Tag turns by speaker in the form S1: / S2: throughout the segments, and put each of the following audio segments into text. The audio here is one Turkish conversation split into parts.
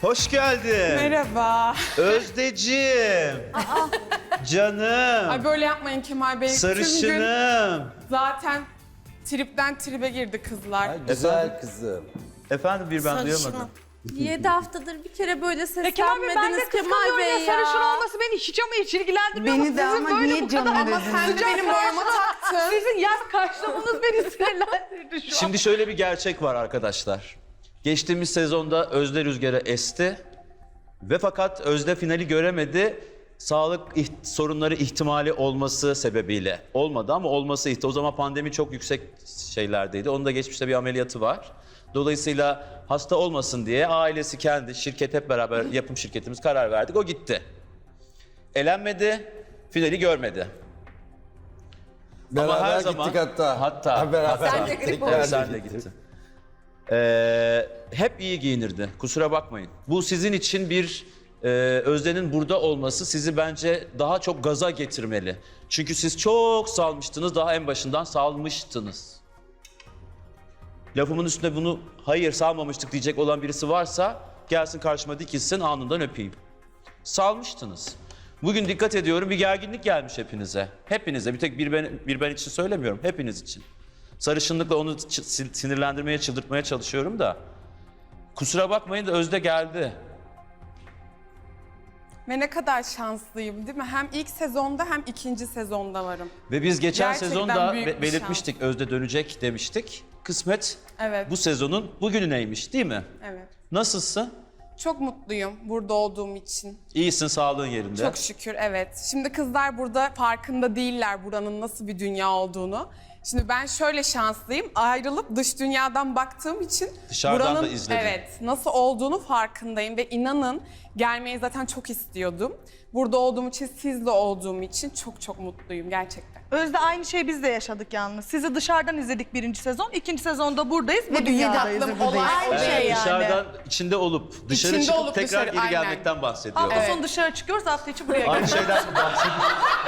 S1: Hoş geldin.
S2: Merhaba.
S1: Özdeciğim. Canım.
S2: Ay böyle yapmayın Kemal Bey. Tüm gün
S1: Sarışınım.
S2: zaten tripten tribe girdi kızlar.
S3: Güzel kızım.
S1: Efendim bir ben duyamadım.
S4: 7 haftadır bir kere böyle
S5: Kemal Bey ben de
S4: seslenmediniz Kemal
S5: kıskanıyorum
S4: Bey
S5: ya.
S4: ya.
S5: Sarışın olması beni hiç ama hiç ilgilendirmiyor.
S6: Beni de
S5: Sizin
S6: ama
S5: böyle
S6: niye
S5: bu kadar
S6: canım
S5: ama
S6: dediniz?
S2: Sen de benim boyuma taktın.
S5: Sizin yaz karşılamanız beni sinirlendirdi şu an.
S1: Şimdi şöyle bir gerçek var arkadaşlar. Geçtiğimiz sezonda Özde rüzgara esti. Ve fakat Özde finali göremedi. Sağlık sorunları ihtimali olması sebebiyle. Olmadı ama olması ihtimali. O zaman pandemi çok yüksek şeylerdeydi. Onun da geçmişte bir ameliyatı var. Dolayısıyla hasta olmasın diye ailesi, kendi, şirket hep beraber yapım şirketimiz karar verdik. O gitti. Elenmedi, finali görmedi.
S3: Beraber
S1: Ama her
S3: gittik
S1: zaman
S3: hatta. Beraber
S4: Sen de
S3: gittik.
S4: grip
S1: Evet, sen de gittin. Hep iyi giyinirdi. Kusura bakmayın. Bu sizin için bir Özde'nin burada olması sizi bence daha çok gaza getirmeli. Çünkü siz çok salmıştınız. Daha en başından salmıştınız. Lafımın üstüne bunu hayır salmamıştık diyecek olan birisi varsa gelsin karşıma dikilsin, alnından öpeyim. Salmıştınız. Bugün dikkat ediyorum, bir gerginlik gelmiş hepinize. Hepinize, bir tek bir ben için söylemiyorum, hepiniz için. Sarışınlıkla onu sinirlendirmeye, çıldırtmaya çalışıyorum da. Kusura bakmayın da Özde geldi.
S2: Ve ne kadar şanslıyım değil mi? Hem ilk sezonda hem ikinci sezonda varım.
S1: Ve biz geçen
S2: Gerçekten
S1: sezonda
S2: büyük bir
S1: belirtmiştik, Özde dönecek demiştik. Kısmet
S2: Evet.
S1: bu sezonun bugününeymiş değil mi?
S2: Evet.
S1: Nasılsın?
S2: Çok mutluyum burada olduğum için.
S1: İyisin, sağlığın yerinde.
S2: Çok şükür evet. Şimdi kızlar burada farkında değiller buranın nasıl bir dünya olduğunu. Şimdi ben şöyle şanslıyım. Ayrılıp dış dünyadan baktığım için
S1: Dışarıdan
S2: buranın
S1: da izledin.
S2: evet nasıl olduğunu farkındayım ve inanın gelmeyi zaten çok istiyordum. Burada olduğum için, sizle olduğum için çok çok mutluyum gerçekten.
S5: Özde aynı şeyi biz de yaşadık yalnız. Sizi dışarıdan izledik birinci sezon. İkinci sezonda buradayız. Bu
S6: Ve
S5: dünyadayız.
S2: aklım olan
S5: Aynı
S2: şey
S5: şey yani.
S1: Dışarıdan içinde olup dışarı
S2: İçinde
S1: çıkıp
S2: olup
S1: tekrar
S2: dışarı,
S1: geri
S2: aynen.
S1: gelmekten bahsediyor.
S5: Hafta
S2: Evet.
S5: sonu dışarı çıkıyoruz, hafta içi buraya
S1: Aynı
S5: geliyoruz.
S1: şeyden mi bahsediyor?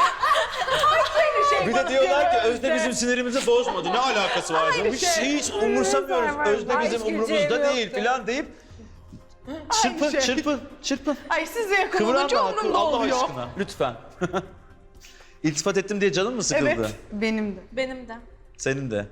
S1: Bir de diyorlar ki Özde bizim sinirimizi bozmadı. Ne alakası var? Hiç umursamıyoruz. Özde bizim umurumuzda değil falan deyip çırpın,
S5: şey.
S1: çırpın.
S5: Ay size yakın
S1: Kıvran
S5: olunca
S1: daha,
S5: umurumda
S1: Allah
S5: oluyor.
S1: aşkına. Lütfen. İltifat ettim diye canın mı sıkıldı?
S5: Evet.
S6: Benim de.
S4: Benim de.
S1: Senin de.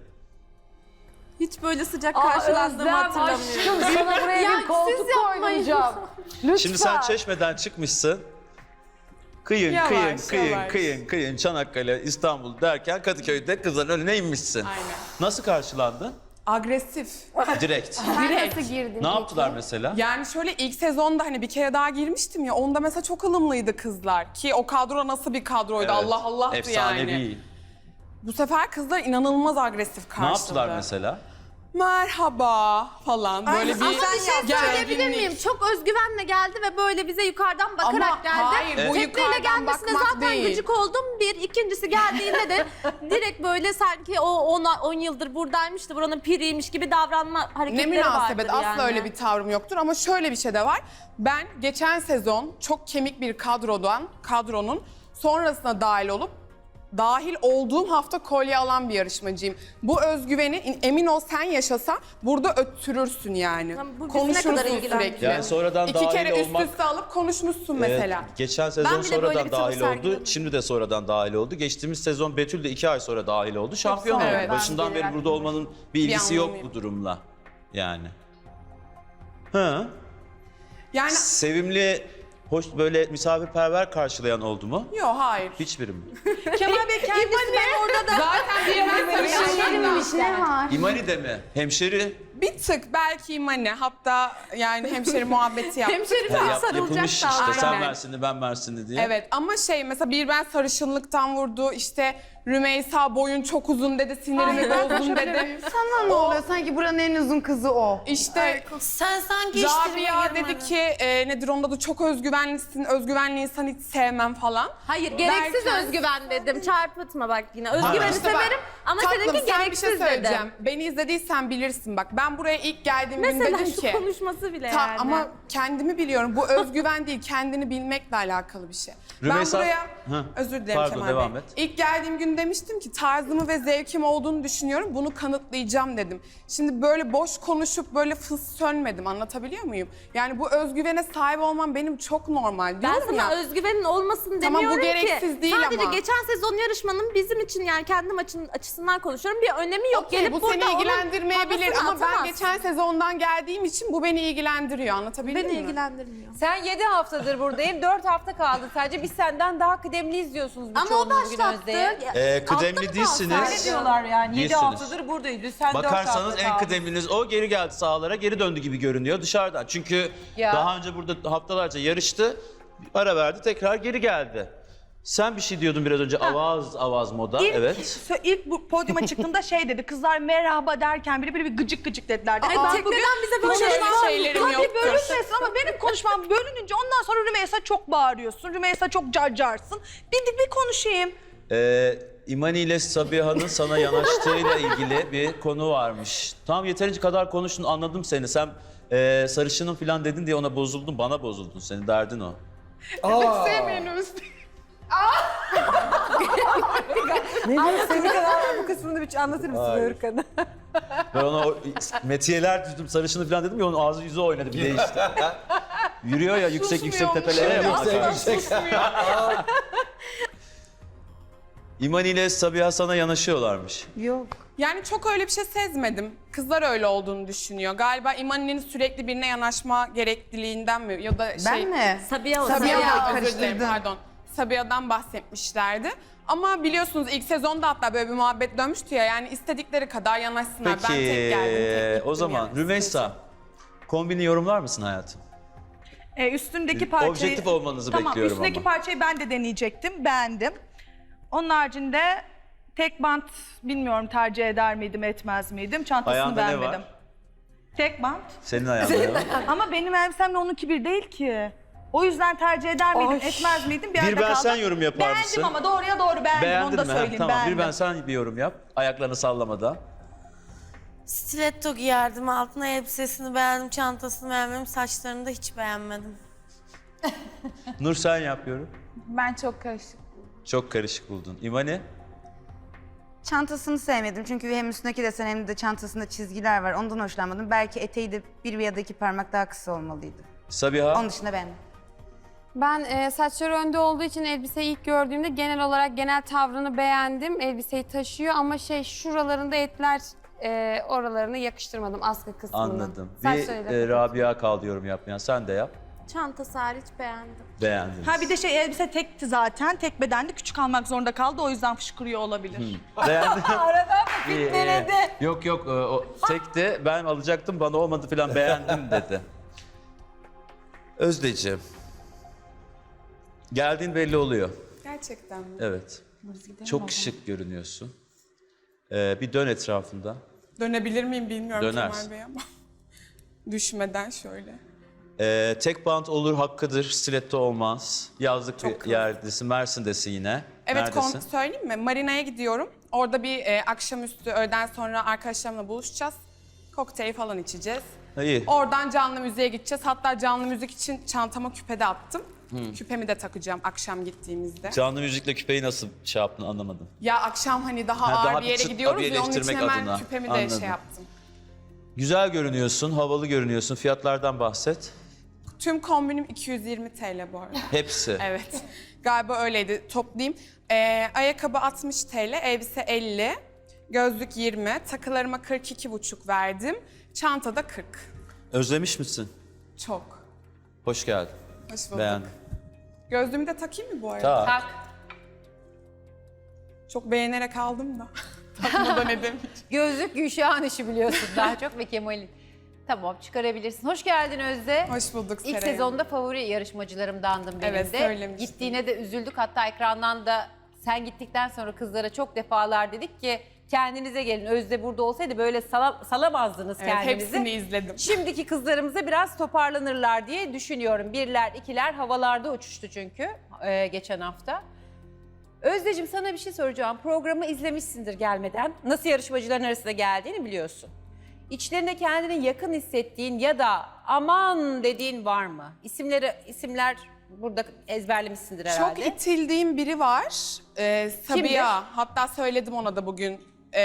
S4: Hiç böyle sıcak karşılandığımı hatırlamıyorum.
S6: Sana buraya
S4: Ya
S6: bir koltuk
S4: siz yapmayın.
S6: koymayacağım. Lütfen.
S1: Şimdi sen Çeşme'den çıkmışsın. Kıyın,
S2: Yavaş,
S1: kıyın,
S2: yavaş.
S1: kıyın, Çanakkale, İstanbul derken Kadıköy'de kızların önüne inmişsin.
S2: Aynen.
S1: Nasıl karşılandın?
S2: Agresif.
S1: Direkt.
S2: Direkt.
S1: Ne yaptılar mesela?
S2: Yani şöyle ilk sezonda hani bir kere daha girmiştim ya onda mesela çok ılımlıydı kızlar. Ki o kadro nasıl bir kadroydu
S1: Evet,
S2: Allah Allah'tı
S1: efsanevi.
S2: yani. Bu sefer kızlar inanılmaz agresif karşıladı.
S1: Ne yaptılar mesela?
S2: Merhaba falan böyle bir
S4: Ama bir şey söyleyebilir
S2: gerginlik.
S4: miyim? Çok özgüvenle geldi ve böyle bize yukarıdan bakarak
S2: Ama
S4: geldi.
S2: hayır, bu
S4: Tekneyle
S2: yukarıdan
S4: gelmesine
S2: bakmak
S4: zaten
S2: değil.
S4: gıcık oldum. Bir, ikincisi geldiğinde de direkt böyle sanki o 10 yıldır buradaymış da buranın piriymiş gibi davranma
S2: Ne
S4: hareketleri
S2: münasebet
S4: vardır
S2: asla
S4: yani.
S2: öyle bir tavrım yoktur ama şöyle bir şey de var. Ben geçen sezon çok kemik bir kadronun sonrasına dahil olduğum hafta kolye alan bir yarışmacıyım. Bu özgüveni emin ol sen yaşasan burada öttürürsün yani.
S4: Tamam, bu bizi ne kadar
S2: Konuşursun
S4: ilgilendiriyor?
S2: sürekli.
S1: Yani sonradan
S2: İki
S1: dahil
S2: kere
S1: olmak-
S2: üst üste alıp konuşmuşsun mesela.
S1: Geçen sezon
S4: Ben bile böyle
S1: sonradan
S4: bir tavır
S1: dahil oldu.
S4: sergilemedim.
S1: Şimdi de sonradan dahil oldu. Geçtiğimiz sezon Betül de 2 ay sonra dahil oldu. Şampiyon oldu.
S2: Evet.
S1: Başından beri burada olmanın bir ilgisi yok
S2: anlamı
S1: bu durumla. Yani. Ha.
S2: Yani
S1: Sevimli, hoş böyle misafirperver karşılayan oldu mu?
S2: yok hayır.
S1: Hiçbiri mi?
S5: Kemal Bey kendisi ben orada da
S2: Zaten bir ben sarışınlıktan.
S6: ne var?
S1: İmani de mi? Hemşeri?
S2: Bir tık belki imani hatta yani hemşeri muhabbeti yaptı.
S4: Hemşeri falan sarılacak
S1: Yapılmış
S4: da.
S1: işte sen
S2: Aynen.
S1: Mersinli ben Mersinli diye.
S2: Evet ama mesela bir ben sarışınlıktan vurdu işte Rümeysa boyun çok uzun dedi sinirimi bozdun dedi.
S6: Sana ne oluyor? Sanki buranın en uzun kızı o.
S2: İşte
S4: Sen sanki işlerime
S2: Rabia
S4: girmedin.
S2: dedi ki nedir onun adı çok özgüvenlisin özgüvenli insan hiç sevmem falan.
S4: Hayır gereksiz
S2: Derken-
S4: özgüven dedim. Çarpıtma bak yine. Özgüveni
S2: İşte bak,
S4: severim ama
S2: tatlım,
S4: seninki
S2: sen bir
S4: gereksiz
S2: şey söyleyeceğim.
S4: dedim.
S2: Beni izlediysen bilirsin bak ben buraya ilk geldiğim gün
S4: Mesela
S2: dedim
S4: şu
S2: ki.
S4: konuşması bile yani.
S2: Ama kendimi biliyorum. Bu özgüven değil, kendini bilmekle alakalı bir şey.
S1: Rümeysa-
S2: Ben buraya,
S1: Hı.
S2: özür dilerim
S1: Pardon,
S2: Kemal
S1: devam
S2: Bey.
S1: et.
S2: İlk geldiğim gün gün demiştim ki tarzımı ve zevkim olduğunu düşünüyorum. Bunu kanıtlayacağım dedim. Şimdi böyle boş konuşup böyle fıs sönmedim. Anlatabiliyor muyum? Yani bu özgüvene sahip olmam benim çok normal.
S4: Ben
S2: Diyorum
S4: sana
S2: ya.
S4: özgüvenin olmasın
S2: Tamam, bu
S4: demiyorum ki.
S2: gereksiz değil
S4: Sadece
S2: ama.
S4: geçen sezon yarışmanın bizim için yani kendim açısından konuşuyorum. Bir önemi yok.
S2: Okey,
S4: Gelip
S2: bu
S4: burada
S2: seni
S4: onun
S2: ilgilendirmeyebilir
S4: havasını
S2: ama ben
S4: atamazsın.
S2: geçen sezondan geldiğim için bu beni ilgilendiriyor. Anlatabildim
S4: Beni
S2: mi?
S4: ilgilendirmiyor.
S7: Sen 7 haftadır buradayım, 4 hafta kaldı sadece. Biz senden daha kıdemliyiz diyorsunuz
S4: Ama o
S7: birçoğunuz bugün
S4: başlattı.
S7: Özde'ye.
S1: Kıdemli değilsiniz.
S7: Ne diyorlar yani? 7
S1: Değilsiniz.
S7: haftadır buradayız. Sen 4
S1: Bakarsanız
S7: hafta
S1: en
S7: kaldın.
S1: kıdemliniz o, geri geldi sahalara, geri döndü gibi görünüyor dışarıdan. Çünkü
S7: Ya.
S1: daha önce burada haftalarca yarıştı, ara verdi, tekrar geri geldi. Sen bir şey diyordun biraz önce, avaz moda, evet.
S5: İlk bu podyuma çıktığımda şey dedi, kızlar merhaba derken biri bir gıcık gıcık dediler. Dedi.
S4: Ay,
S5: Ben
S4: tekneden bize böyle
S2: Şöyle
S4: şeyler
S2: şeylerim
S5: Tabii
S2: yoktur.
S5: bölünmesin ama benim konuşmam bölününce ondan sonra Rümeysa çok bağırıyorsun. Rümeysa çok carcarsın. Bir konuşayım.
S1: İmani ile Sabiha'nın sana yanaştığıyla ilgili bir konu varmış. Tamam, yeterince kadar konuştun, anladım seni. Sen sarışının falan dedin diye ona bozuldun, bana bozuldun. Senin derdin o.
S2: Sevmeyin Özde.
S7: Bu kısmını bir anlatır mısın Örkan'a?
S1: Ben ona metiyeler düzdüm, sarışını falan dedim ya, onun ağzı yüzü oynadı, bir değişti. Yürüyor ya yüksek yüksek tepelere ya. bakar. İmani ile Sabiha sana yanaşıyorlarmış.
S6: Yok.
S2: Yani çok öyle bir şey sezmedim. Kızlar öyle olduğunu düşünüyor. Galiba İmani'nin sürekli birine yanaşma gerekliliğinden mi? Ya da
S6: Ben mi?
S4: Sabiha o.
S2: Sabiha,
S6: Sabiha,
S2: özür dilerim,
S6: karıştırdım.
S2: pardon. Sabiha'dan bahsetmişlerdi. Ama biliyorsunuz ilk sezonda hatta böyle bir muhabbet dönmüştü ya. Yani istedikleri kadar yanaşsınlar. Ben tek geldim, tek gittim
S1: o zaman
S2: yani.
S1: Rümeysa, kombini yorumlar mısın hayatım?
S5: Üstündeki parçayı...
S1: Objektif olmanızı
S5: tamam,
S1: bekliyorum
S5: üstündeki
S1: ama.
S5: parçayı ben de deneyecektim. Beğendim. Onun haricinde tek bant bilmiyorum tercih eder miydim, etmez miydim. Çantasını
S1: Ayağında ne
S5: beğenmedim.
S1: var?
S5: Tek bant.
S1: Senin ayağında ne var?
S5: Ama benim elbisemle onunki bir değil ki. O yüzden tercih eder miydim, etmez miydim bir
S1: Bir
S5: yerde
S1: ben
S5: kaldım.
S1: sen yorum yapar
S5: Beğendim
S1: mısın?
S5: ama doğruya doğru beğendim,
S1: Beğendin
S5: onu da
S1: mi? Ha,
S5: söyleyeyim.
S1: tamam,
S5: beğendim.
S1: bir ben sen bir yorum yap. Ayaklarını sallamadan.
S8: Stiletto giyerdim, altına elbisesini beğendim, çantasını beğenmedim, saçlarını da hiç beğenmedim.
S1: Nur sen yap yorum.
S6: Ben çok karışık.
S1: Çok karışık buldun. İmani?
S6: Çantasını sevmedim çünkü hem üstündeki desen hem de çantasında çizgiler var. Ondan hoşlanmadım. Belki eteği de bir ya da iki parmak daha kısa olmalıydı.
S1: Sabiha?
S6: Onun dışında beğendim.
S9: Ben saçları önde olduğu için elbiseyi ilk gördüğümde genel olarak genel tavrını beğendim. Elbiseyi taşıyor ama şuralarında etler oralarını yakıştırmadım askı kısmını.
S1: Anladım.
S9: Saçlarıyla
S1: Bir Rabia kaldı yorum yapmayan. Sen de yap.
S4: Çantası hariç beğendim.
S1: Beğendiniz.
S5: Ha bir de elbise tekti zaten. Tek bedendi, küçük almak zorunda kaldı. O yüzden fışkırıyor olabilir.
S1: Beğendin.
S7: Aradan mı fitneledi?
S1: Yok yok, o tekti. Ben alacaktım, bana olmadı falan, beğendim dedi. Özdeciğim. Geldiğin belli oluyor.
S2: Gerçekten mi?
S1: Evet. Çok şık görünüyorsun. Bir dön etrafında.
S2: Dönebilir miyim bilmiyorum
S1: Dönersin.
S2: Kemal Bey ama. Düşmeden şöyle.
S1: Tek bant olur, hakkıdır. Stiletto olmaz. Yazlık
S2: Çok
S1: bir
S2: klas.
S1: yerdesin. Mersin'desin yine.
S2: Evet,
S1: Neredesin?
S2: söyleyeyim mi? Marina'ya gidiyorum. Orada bir akşamüstü öğleden sonra arkadaşlarımla buluşacağız. Kokteyl falan içeceğiz.
S1: İyi.
S2: Oradan canlı müziğe gideceğiz. Hatta canlı müzik için çantama küpe de attım. Küpemi de takacağım akşam gittiğimizde.
S1: Canlı müzikle küpeyi nasıl şey yaptın, anlamadım.
S2: Ya akşam hani daha
S1: Ha,
S2: ağır
S1: daha
S2: bir yere
S1: bir çıt
S2: gidiyoruz ya onun için
S1: abileştirmek
S2: hemen
S1: adına.
S2: küpemi de
S1: Anladım.
S2: şey yaptım.
S1: Güzel görünüyorsun, havalı görünüyorsun. Fiyatlardan bahset.
S2: Tüm kombinim 220 TL bu arada.
S1: Hepsi.
S2: Evet. Galiba öyleydi. Toplayayım. Ayakkabı 60 TL, elbise 50, gözlük 20, takılarıma 42,5 verdim. Çanta da 40.
S1: Özlemiş misin?
S2: Çok.
S1: Hoş geldin.
S2: Hoş bulduk.
S1: Beğendim.
S2: Gözlüğümü de takayım mı bu arada?
S1: Tak.
S2: Çok beğenerek aldım da. Takmadan edemeyeceğim.
S7: Gözlük Gülşah'ın işi biliyorsun daha çok ve Kemal'in. Tamam, çıkarabilirsin. Hoş geldin Özde.
S2: Hoş bulduk
S7: İlk
S2: Seray.
S7: sezonda favori yarışmacılarımdandın benim
S2: Evet,
S7: de.
S2: söylemiştin.
S7: Gittiğine de üzüldük. Hatta ekrandan da sen gittikten sonra kızlara çok defalar dedik ki kendinize gelin. Özde burada olsaydı böyle salamazdınız
S2: Evet,
S7: kendinizi.
S2: hepsini izledim.
S7: Şimdiki kızlarımıza biraz toparlanırlar diye düşünüyorum. Birler, ikiler havalarda uçuştu çünkü geçen hafta. Özdeciğim, sana bir şey soracağım. Programı izlemişsindir gelmeden. Nasıl yarışmacıların arasında geldiğini biliyorsun. İçlerinde kendini yakın hissettiğin ya da aman dediğin var mı? İsimler burada ezberlemişsindir
S2: Çok
S7: herhalde.
S2: itildiğim biri var. Sabiha. Hatta söyledim ona da bugün.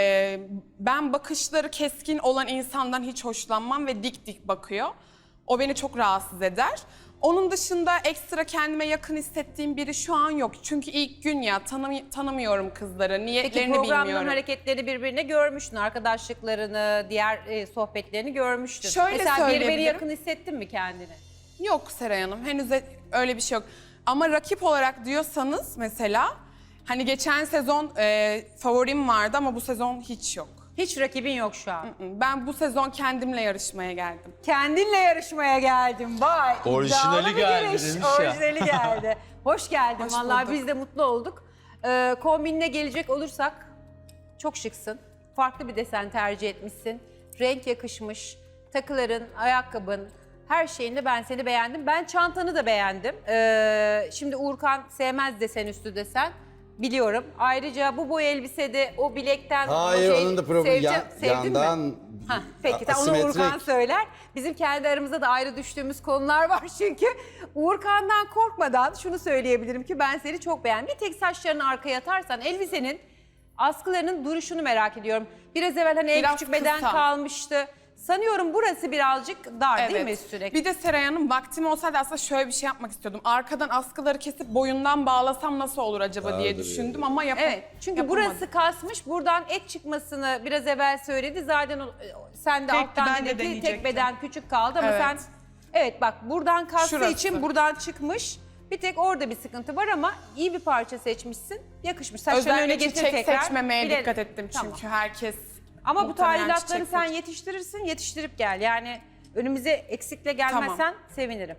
S2: Ben bakışları keskin olan insandan hiç hoşlanmam ve dik dik bakıyor. O beni çok rahatsız eder. Onun dışında ekstra kendime yakın hissettiğim biri şu an yok. Çünkü ilk gün ya tanımıyorum kızları,
S7: Peki
S2: niyetlerini
S7: programların
S2: bilmiyorum.
S7: hareketlerini birbirine görmüştün, arkadaşlıklarını, diğer sohbetlerini görmüştün.
S2: Şöyle
S7: Mesela birbirine
S2: söyleyebilirim.
S7: yakın hissettin mi kendini?
S2: Yok Seray Hanım, henüz öyle bir şey yok. Ama rakip olarak diyorsanız mesela, hani geçen sezon favorim vardı ama bu sezon hiç yok.
S7: Hiç rakibin yok şu an.
S2: Ben bu sezon kendimle yarışmaya geldim.
S7: Kendinle yarışmaya geldim. Vay.
S1: Orijinali
S7: iddialı bir
S1: geldi
S7: giriş.
S1: demiş ya.
S7: Orijinali geldi. Hoş geldin.
S2: Hoş
S7: Vallahi
S2: bulduk.
S7: biz de mutlu olduk. Kombinine gelecek olursak çok şıksın. Farklı bir desen tercih etmişsin. Renk yakışmış. Takıların, ayakkabın, her şeyinde ben seni beğendim. Ben çantanı da beğendim. Şimdi Uğurkan sevmez desen üstü desen. Biliyorum. Ayrıca bu boy elbisede o bilekten...
S3: Hayır,
S7: o şey-
S3: onun da problemi
S7: sevdin mi?
S3: yandan
S7: Ha, peki tamam, onu
S3: asimetrik.
S7: Uğurkan söyler. Bizim kendi aramızda da ayrı düştüğümüz konular var çünkü. Uğurkan'dan korkmadan şunu söyleyebilirim ki ben seni çok beğendim. Bir tek saçlarını arkaya atarsan elbisenin askılarının duruşunu merak ediyorum. Biraz evvel hani en
S2: Biraz
S7: küçük beden
S2: kısa.
S7: kalmıştı. Sanıyorum burası birazcık dar değil mi üstüne?
S2: Bir de Seray Hanım, vaktim olsaydı aslında şöyle bir şey yapmak istiyordum. Arkadan askıları kesip boyundan bağlasam nasıl olur acaba diye
S3: Dardır
S2: düşündüm
S3: yani.
S2: ama
S7: Evet, çünkü
S2: yapamadım.
S7: burası kasmış. Buradan et çıkmasını biraz evvel söyledi. Zaten sen de
S5: Tekti,
S7: alttan
S5: ben de
S7: dedi ki
S5: deneyecektim.
S7: tek beden küçük kaldı ama
S2: Evet.
S7: sen... Evet bak, buradan kastığı
S2: Şurası.
S7: için buradan çıkmış. Bir tek orada bir sıkıntı var ama iyi bir parça seçmişsin. Yakışmış. Saçlarını öne
S2: Özellikle
S7: getir
S2: çiçek
S7: tekrar.
S2: seçmemeye
S7: Bilelim.
S2: dikkat ettim çünkü
S7: Tamam.
S2: herkes
S7: Ama bu
S2: muhtemelen
S7: tadilatları
S2: çiçek
S7: sen
S2: seç-
S7: yetiştirirsin, yetiştirip gel. Yani önümüze eksikle gelmezsen sevinirim.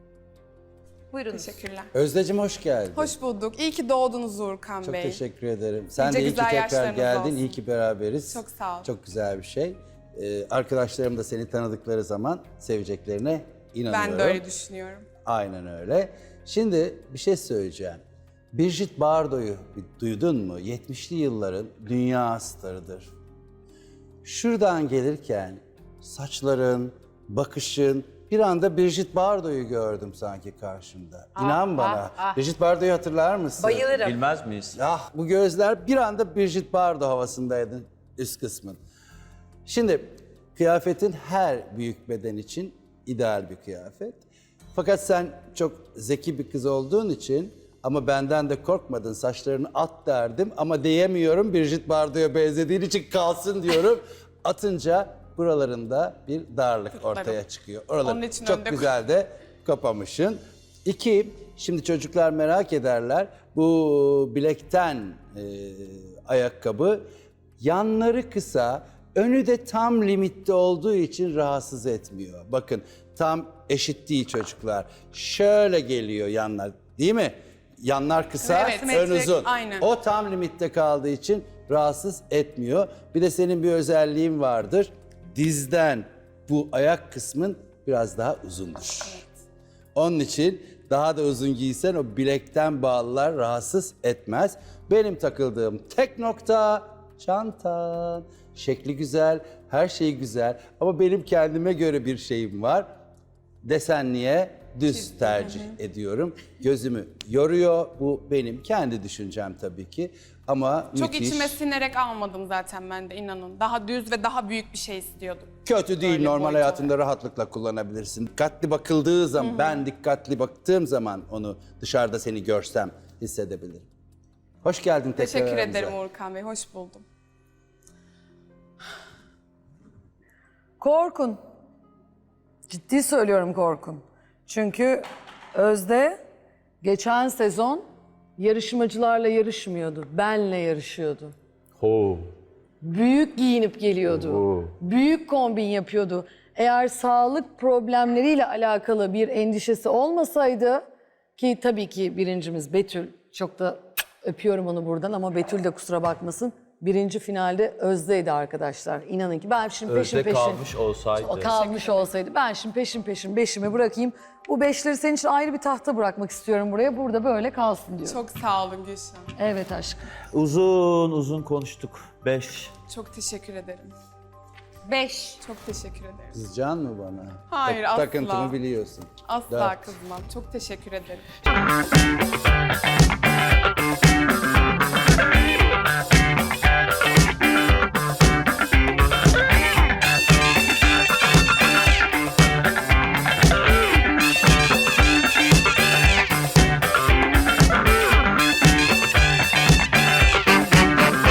S7: Buyurunuz.
S2: Teşekkürler.
S3: Özdeciğim hoş geldin.
S2: Hoş bulduk. İyi ki doğdunuz Uğurkan
S3: Çok
S2: Bey.
S3: teşekkür ederim. Sen
S2: Nice
S3: de iyi ki
S2: güzel
S3: tekrar
S2: yaşlarınız
S3: geldin.
S2: olsun.
S3: İyi ki beraberiz.
S2: Çok sağ ol.
S3: Çok güzel bir şey. Arkadaşlarım da seni tanıdıkları zaman seveceklerine inanıyorum.
S2: Ben de öyle düşünüyorum.
S3: Aynen öyle. Şimdi bir şey söyleyeceğim. Brigitte Bardot'u bir duydun mu? 70'li yılların dünya starıdır. Şuradan gelirken saçların, bakışın, bir anda Brigitte Bardot'u gördüm sanki karşımda. İnan bana. Brigitte Bardot'u hatırlar mısın?
S7: Bayılırım.
S1: Bilmez miyiz?
S3: Ah, bu gözler bir anda Brigitte Bardot havasındaydı üst kısmın. Şimdi kıyafetin her büyük beden için ideal bir kıyafet. Fakat sen çok zeki bir kız olduğun için ama benden de korkmadın, saçlarını at derdim ama diyemiyorum, Brigitte Bardot'a benzediğin için kalsın diyorum. Atınca buralarında bir darlık ortaya çıkıyor. Oraları
S2: Onun için
S3: çok
S2: önde
S3: güzel de kapamışsın. İki, şimdi çocuklar merak ederler. Bu bilekten ayakkabı yanları kısa, önü de tam limitte olduğu için rahatsız etmiyor. Bakın tam eşit değil çocuklar. Şöyle geliyor yanlar, değil mi? Yanlar kısa,
S2: Evet,
S3: ön
S2: simetrik,
S3: uzun.
S2: aynen.
S3: O tam limitte kaldığı için rahatsız etmiyor. Bir de senin bir özelliğin vardır. Dizden bu ayak kısmın biraz daha uzundur. Onun için daha da uzun giysen o bilekten bağlılar rahatsız etmez. Benim takıldığım tek nokta çantan. Şekli güzel, her şey güzel ama benim kendime göre bir şeyim var. Desenliye düz tercih ediyorum. Gözümü yoruyor. Bu benim kendi düşüncem tabii ki. Ama
S2: Çok
S3: müthiş.
S2: içime sinerek almadım zaten ben de, inanın. Daha düz ve daha büyük bir şey istiyordum.
S3: Kötü değil,
S2: Öyle
S3: normal
S2: boyut
S3: hayatında rahatlıkla kullanabilirsin. Dikkatli bakıldığı zaman, ben dikkatli baktığım zaman onu dışarıda seni görsem hissedebilirim. Hoş geldin tekrar
S2: Teşekkür
S3: aramıza.
S2: ederim Uğurkan Bey, hoş buldum.
S10: Korkun. Ciddi söylüyorum korkun. Çünkü Özde geçen sezon yarışmacılarla yarışmıyordu. Benle yarışıyordu. Büyük giyinip geliyordu. Büyük kombin yapıyordu. Eğer sağlık problemleriyle alakalı bir endişesi olmasaydı, ki tabii ki birincimiz Betül, çok da öpüyorum onu buradan ama Betül de kusura bakmasın. Birinci finalde Özde'ydi arkadaşlar. İnanın ki ben şimdi peşin peşin... kalmış olsaydı. Ben şimdi peşin peşin beşimi bırakayım. Bu beşleri senin için ayrı bir tahta bırakmak istiyorum buraya. Burada böyle kalsın diyorum.
S2: Çok sağ olun Gülşen.
S10: Evet aşkım.
S1: Uzun uzun konuştuk. 5.
S2: Çok teşekkür ederim.
S7: 5.
S2: Çok teşekkür ederim.
S3: Kızacaksın mı bana?
S2: Hayır, asla.
S3: Takıntımı biliyorsun.
S2: Asla
S3: Dört.
S2: kızmam. Çok teşekkür ederim.